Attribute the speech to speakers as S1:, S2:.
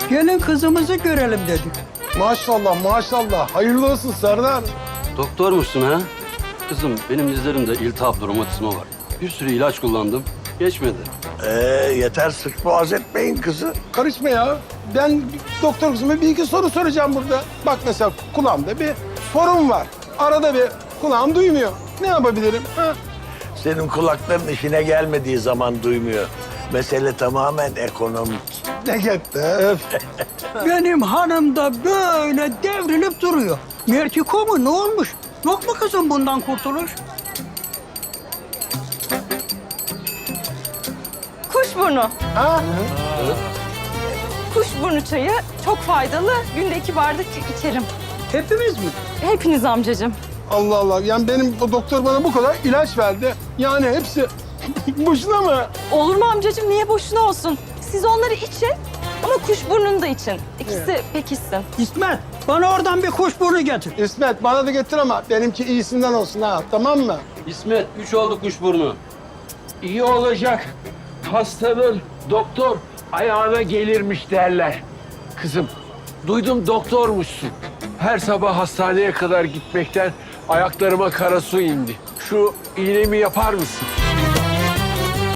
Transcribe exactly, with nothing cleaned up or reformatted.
S1: Gelin kızımızı görelim dedik.
S2: Maşallah maşallah. Hayırlı olsun Serdar.
S3: Doktormuşsun ha? Kızım benim dizlerimde iltihap romatizma var. Bir sürü ilaç kullandım. Geçmedi.
S4: Ee, yeter sık boğaz etmeyin kızı.
S2: Karışma ya. Ben doktor kızıma bir iki soru soracağım burada. Bak mesela kulağımda bir sorun var. Arada bir kulağım duymuyor. Ne yapabilirim? Ha?
S4: Senin kulakların işine gelmediği zaman duymuyor. Mesele tamamen ekonomik.
S2: Ne gitti? Öf.
S1: Benim hanım da böyle devrilip duruyor. Mertiko mu ne olmuş? Yok mu kızım bundan kurtuluş?
S5: Kuşburnu.
S2: Ha?
S5: Kuşburnu çayı çok faydalı. Günde iki bardak içerim.
S1: Hepimiz mi?
S5: Hepiniz amcacığım.
S2: Allah Allah. Yani benim o doktor bana bu kadar ilaç verdi. Yani hepsi boşuna mı?
S5: Olur mu amcacığım? Niye boşuna olsun? Siz onları için ama kuşburnunu da için. İkisi pekişsin.
S1: İsmet bana oradan bir kuşburnu getir.
S2: İsmet bana da getir ama benimki iyisinden olsun ha. Tamam mı?
S3: İsmet, üç oldu kuşburnu.
S6: İyi olacak. Hastanın doktor ayağına gelirmiş derler. Kızım, duydum doktormuşsun. Her sabah hastaneye kadar gitmekten ayaklarıma kara su indi. Şu iğnemi yapar mısın?